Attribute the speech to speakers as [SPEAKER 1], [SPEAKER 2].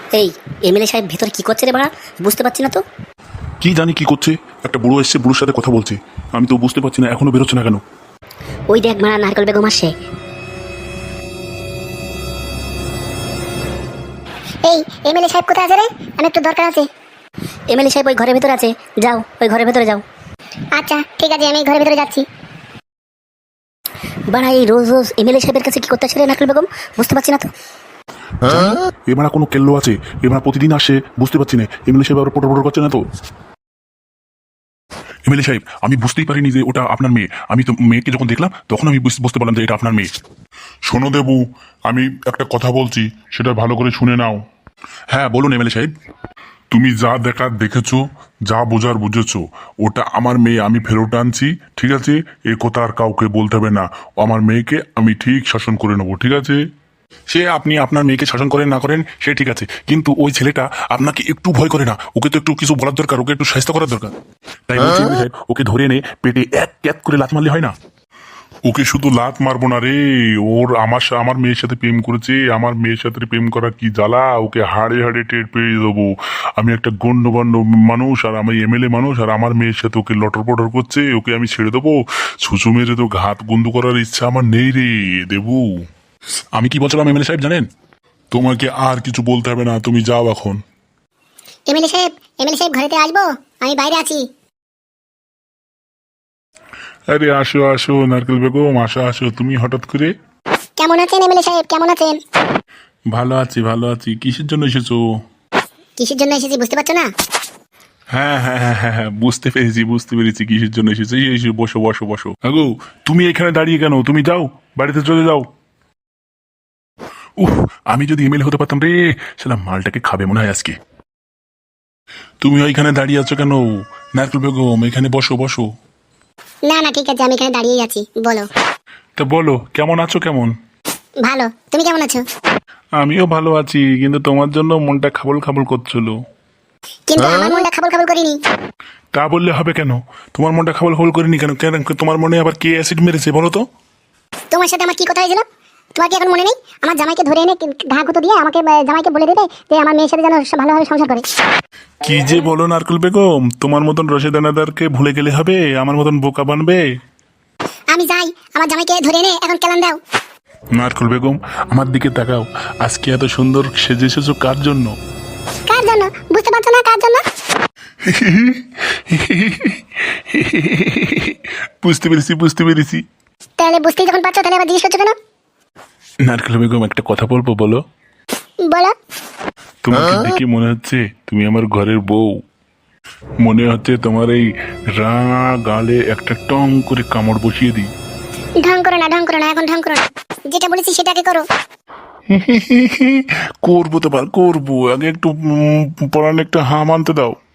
[SPEAKER 1] এই এমএলএ সাহেব ভেতরে কি করছে রে বাড়া? বুঝতে পারছি না তো।
[SPEAKER 2] কি জানি কি করছে, একটা বুড়ো এসছে, বুড়োর সাথে কথা বলছে। আমি তো বুঝতে পারছি না এখনো বেরোচ্ছে না কেন।
[SPEAKER 1] ওই দেখ মারা নারকেল বেগম আসছে।
[SPEAKER 3] এই এমএলএ সাহেব কোথায় আছে রে? আমি একটু দরকার আছে।
[SPEAKER 1] এমএলএ সাহেব ওই ঘরের ভেতরে আছে, যাও ওই ঘরের ভেতরে যাও।
[SPEAKER 3] আচ্ছা ঠিক আছে, আমি ঘরের ভিতরে যাচ্ছি।
[SPEAKER 1] বাড়া এই রোজ রোজ এমএলএ সাহেবের কাছে কি করতে আসে রে নারকেল বেগম? বুঝতে পারছি না তো।
[SPEAKER 2] এবার কোনো কেল্লো আছে, এবার প্রতিদিন আসে, বুঝতে পারছি না। এমএলএ সাহেব আবার পটর পটর করছে না তো? এমএলএ সাহেব, আমি বুঝতেই পারিনি যে ওটা আপনার মেয়ে। আমি তো মেয়েকে যখন দেখলাম তখন আমি বুঝতে পারলাম যে এটা আপনার মেয়ে।
[SPEAKER 4] শোনো দেবু, আমি একটা কথা বলছি, সেটা ভালো করে শুনে নাও।
[SPEAKER 2] হ্যাঁ বলুন এমএলএ সাহেব।
[SPEAKER 4] তুমি যা দেখার দেখেছো, যা বোঝার বুঝেছো, ওটা আমার মেয়ে, আমি ফেরত আনছি। ঠিক আছে, এ কথা আর কাউকে বলতে হবে না। আমার মেয়েকে আমি ঠিক শাসন করে নেবো, ঠিক আছে?
[SPEAKER 2] সে আপনি আপনার মেয়েকে শাসন করেন না করেন সে ঠিক আছে, কিন্তু ওই ছেলেটা আপনাকে একটু ভয় করে না? ওকে তো একটু কিছু বলার দরকার, ওকে একটু শাস্তি করার দরকার। তাই বলছি এমএলএ সাহেব, ওকে ধরে এনে পেটে এক ক্যাত করে লাথ মারলে হয় না?
[SPEAKER 4] ওকে শুধু লাত মারবো না রে, ওর আমার মেয়ের সাথে প্রেম করেছে। আমার মেয়ের সাথে প্রেম করা কি জ্বালা, ওকে হাড়ে হাড়ে টের পেয়ে দেবো। আমি একটা গণ্যমান্য মানুষ, আর আমি এমএলএ মানুষ, আর আমার মেয়ের সাথে ওকে লটর পটর করছে, ওকে আমি ছেড়ে দেবো? ছুঁচু মেরে তো ঘাত বন্ধ করার ইচ্ছা আমার নেই রে দেবু।
[SPEAKER 2] আমি কি বলছিলাম এমএলএ সাহেব জানেন?
[SPEAKER 4] তোমাকে আর কিছু বলতে হবে না, তুমি যাও এখন।
[SPEAKER 3] এমএলএ সাহেব ঘরেতে আসবো? আমি বাইরে আছি।
[SPEAKER 4] আরে আসো আসো নারকেল বেগম, আসো আসো। তুমি হঠাৎ করে?
[SPEAKER 3] কেমন আছেন এমএলএ সাহেব, কেমন আছেন?
[SPEAKER 4] ভালো আছি ভালো আছি। কিসের জন্য এসেছো?
[SPEAKER 3] কিসের জন্য এসেছি বুঝতে পারছো না?
[SPEAKER 4] হ্যাঁ হ্যাঁ হ্যাঁ হ্যাঁ হ্যাঁ, বুঝতে পেরেছি কিসের জন্য এসেছো। এসে বসো বসো বসো। আগো, তুমি এখানে দাঁড়িয়ে কেন? তুমি যাও, বাড়িতে চলে যাও।
[SPEAKER 2] উফ, আমি যদি এমএলএ হতে পারতাম রে, সেটা মালটাকে খাবে মনে হয় আজকে।
[SPEAKER 4] তুমি ওইখানে দাঁড়িয়ে আছো কেন? নারকেল বেগম, এখানে বসো বসো।
[SPEAKER 3] না না ঠিক আছে, আমি এখানে দাঁড়িয়েই আছি, বলো।
[SPEAKER 4] তা বলো, কেমন আছো? কেমন?
[SPEAKER 3] ভালো, তুমি কেমন আছো?
[SPEAKER 4] আমিও ভালো আছি, কিন্তু তোমার জন্য মনটা খাবল খাবল করছিল।
[SPEAKER 3] কিন্তু আমার মনটা খাবল খাবল করিনি।
[SPEAKER 4] তা বললে হবে কেন? তোমার মনটা খাবল খাবল করিনি কেন? কেন তোমার মনে আবার কে অ্যাসিড মেরেছে বলো তো?
[SPEAKER 3] তোমার সাথে আমার কি কথা হয়েছিল? তোমার কি এখন মনে নেই? আমার জামাইকে ধরে এনে ঘা গুঁতো দিয়ে আমাকে জামাইকে বলে দেবে যে আমার মেয়ের সাথে যেন ভালোভাবে সংসার করে।
[SPEAKER 4] কি যে বলো নারকেল বেগম, তোমার মতন রশেদানাদারকে ভুলে গেলে হবে? আমার মতন বোকা বানবে?
[SPEAKER 3] আমি যাই, আমার জামাইকে ধরে এনে এখন কেলান দাও।
[SPEAKER 4] নারকেল বেগম, আমার দিকে তাকাও। আজকে এত সুন্দর সেজে এসেছো কার জন্য?
[SPEAKER 3] কার জন্য বুঝতে পারছো না? কার জন্য?
[SPEAKER 4] বুঝতে পেরেছি।
[SPEAKER 3] তাহলে বুঝতেই যখন পারছো, তাহলে আবার জিজ্ঞেস করছো কেন?
[SPEAKER 4] নারকেল বেগম, একটা কথা বলবো, বলো?
[SPEAKER 3] বলো।
[SPEAKER 4] তোমাকে দেখে মনে হচ্ছে তুমি আমার ঘরের বউ। মনে হচ্ছে তোমার এই রাঙা গালে একটা টং করে কামড় বসিয়ে দিই।
[SPEAKER 3] ঢং করো না, এখন ঢং করো না। যেটা বলেছি সেটাকে করো।
[SPEAKER 4] করবো তো করবো, আগে একটু পড়ানো একটা হাম আনতে দাও।